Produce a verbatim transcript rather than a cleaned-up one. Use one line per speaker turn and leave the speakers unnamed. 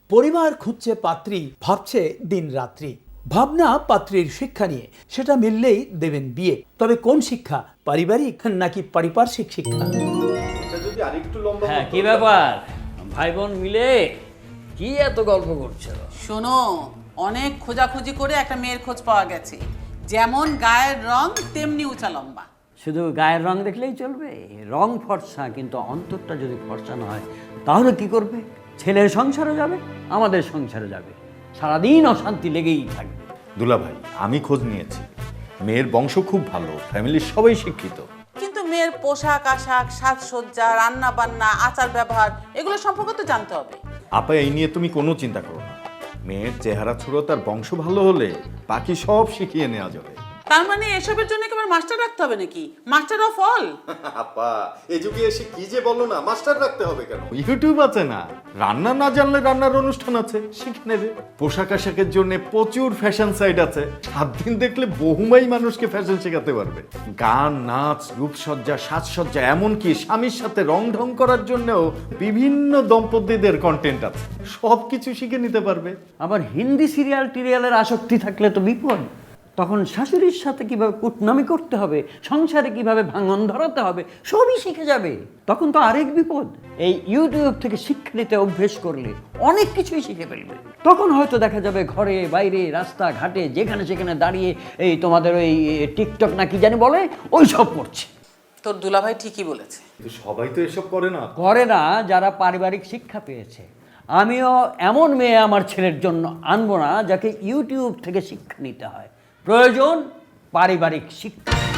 পরিবার খুঁজছে পাত্রী, ভাবছে দিন রাত্রি। ভাবনা পাত্রীর শিক্ষা নিয়ে, সেটা মিললেই দেবেন বিয়ে। তবে কোন শিক্ষা, পারিবারিক নাকি পারিপার্শ্বিক শিক্ষা?
এটা যদি আরেকটু লম্বা
হ্যাঁ,
হতো
কি ব্যাপার ভাই বোন মিলে কি এত গল্প করছো?
শোনো, অনেক খোঁজাখুঁজি করে একটা মেয়ের খোঁজ পাওয়া গেছে, যেমন গায়ের রং তেমনি উঁচা লম্বা।
শুধু গায়ের রং দেখলেই চলবে? রং ফর্সা, কিন্তু অন্তরটা যদি ফর্সা না হয় তাহলে কি করবে? ছেলের সংসারে যাবে, আমাদের সংসারে যাবে, সারাদিন অশান্তি লেগেই থাকবে।
দুলা ভাই, আমি খোঁজ নিয়েছি, মেয়ের বংশ খুব ভালো, ফ্যামিলির সবাই শিক্ষিত।
কিন্তু মেয়ের পোশাক আশাক, সাজসজ্জা, রান্না বান্না, আচার ব্যবহার এগুলো সম্পর্কে তো জানতে হবে।
আপা, এই নিয়ে তুমি কোনো চিন্তা করো না। মেয়ের চেহারা ছুড়ো, তার বংশ ভালো হলে বাকি সব শিখিয়ে নেওয়া যাবে।
তার মানে এসবের জন্য একেবারে মাস্টার রাখতে হবে নাকি? Master of all?
আপা, এই যুগে এসে কি যে বলো না, মাস্টার রাখতে হবে কেন? ইউটিউব আছে না, রান্না না জানলে রান্নার অনুষ্ঠান আছে, শিখে নেবে। পোশাক আশাকের জন্য প্রচুর ফ্যাশন সাইট আছে, সাত দিন দেখলে বহুমাই মানুষকে ফ্যাশন শেখাতে পারবে। গান, নাচ, রূপসজ্জা, সাজসজ্জা, এমনকি স্বামীর সাথে রং ঢং করার জন্যও বিভিন্ন দম্পতিদের কন্টেন্ট আছে, সব কিছু শিখে নিতে পারবে।
আবার হিন্দি সিরিয়াল টিরিয়ালের আসক্তি থাকলে তো বিপদ। তখন শাশুড়ির সাথে কিভাবে কুটনামি করতে হবে, সংসারে কিভাবে ভাঙন ধরাতে হবে, সবই শিখে যাবে। তখন তো আরেক বিপদ। এই ইউটিউব থেকে শিক্ষা নিতে অভ্যেস করলে অনেক কিছুই শিখে ফেলবে। তখন হয়তো দেখা যাবে ঘরে বাইরে রাস্তা ঘাটে যেখানে সেখানে দাঁড়িয়ে এই তোমাদের ওই টিকটক না কি জানি বলে, ওই সব করছে।
তোর দুলাভাই ঠিকই বলেছে।
কিন্তু সবাই তো এসব করে না।
করে না যারা পারিবারিক শিক্ষা পেয়েছে। আমিও এমন মেয়ে আমার ছেলের জন্য আনবো না যাকে ইউটিউব থেকে শিক্ষা নিতে হয়। প্রয়োজন পারিবারিক শিক্ষা।